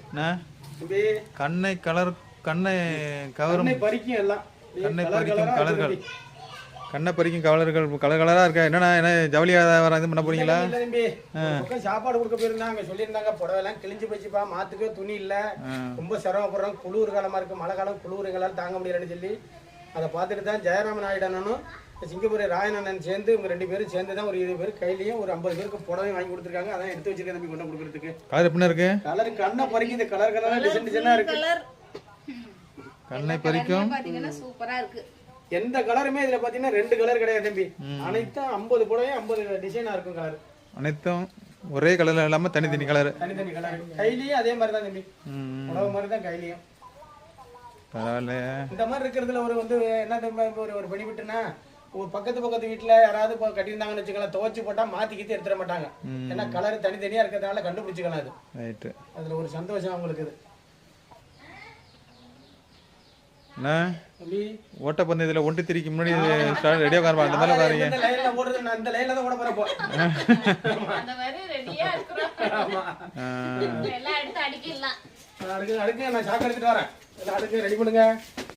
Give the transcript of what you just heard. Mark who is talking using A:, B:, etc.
A: கண்ணை கலர் கண்ணை கவரும்
B: பறிக்கும் எல்லாம்
A: கண்ணை பறிக்கும் கலர்கள் கண்ணை பறிக்கும் கலர்கள் கலர் கலராக இருக்கா என்னண்ணா என்ன ஜவுளியாக வர இது பண்ண போறீங்களா?
B: சாப்பாடு கொடுக்க போயிருந்தாங்க சொல்லியிருந்தாங்க புடவைலாம் கிழிஞ்சு போச்சுப்பா மாத்துக்கு துணி இல்லை ரொம்ப சிரமப்படுறோம் குளிர் காலமாக இருக்குது மழை காலம் குளிர் எங்களால் தாங்க முடியலன்னு சொல்லி அதை பார்த்துட்டு தான் ஜெயராமன் ஆயிடனும் சிங்கப்பூர் ராயனண்ணன் சேர்ந்து இவங்க 2 பேரும் சேர்ந்து தான் ஒரு 20 பேர் கையிலையும் ஒரு 50 பேருக்கு புடவை வாங்கி கொடுத்துருக்காங்க அதான் எடுத்து வச்சிருக்கேன் தம்பி கொண்டு கொடுக்குறதுக்கு.
A: கலர் எப்படின்னா இருக்கு?
B: கலர் கண்ணை பறிக்குது கலர் கலராக டிசைனாக இருக்கு.
A: கண்ணை பறிக்கும்
C: சூப்பரா இருக்கு.
B: எந்த கலருமே இதுல பாத்தீங்கன்னா 2 கலர் கிடையாது தம்பி. அனைத்தும் 50 புடவை 50 டிசைனா இருக்கும் கலர்.
A: அனைத்தும் ஒரே கலர்ல இல்லாம தனித்தனி கலர்.
B: தனித்தனி கலர். கையிலயும் அதே மாதிரி தான் தம்பி. புடவை மாதிரி தான் கையிலயும்.
A: பரவாயில்ல. இந்த
B: மாதிரி இருக்கிறதுல ஒரு வந்து என்ன ஒரு பெனிஃபிட்னா ஒரு பக்கத்து வீட்டுல யாராவது கட்டியிருந்தாங்கன்னு வச்சுக்கலாம் துவச்சு போட்டா மாத்திக்கிட்டு எடுத்துட மாட்டாங்க. ஏன்னா கலர் தனித்தனியா இருக்கிறதுனால கண்டுபிடிச்சிக்கலாம் அது. ரைட். அதுல ஒரு சந்தோஷம் அவங்களுக்கு இது.
A: ஓட்டப்பந்தயத்துல 1-3க்கு முன்னாடி ரெடியா உட்காருவா அந்த மாதிரி உட்காருங்க.
B: இந்த லைன்ல ஓடுறது நான் இந்த லைன்ல தான் ஓட போறேன் போ.
C: அந்த மாதிரி ரெடியா இருக்கறோம். ஆமா. எல்லாம் எடுத்து அடிக்கலாம்.
B: அடுக்கு நான் சாக்கு எடுத்துட்டு வரேன். எல்லாம் அடுக்கு ரெடி பண்ணுங்க.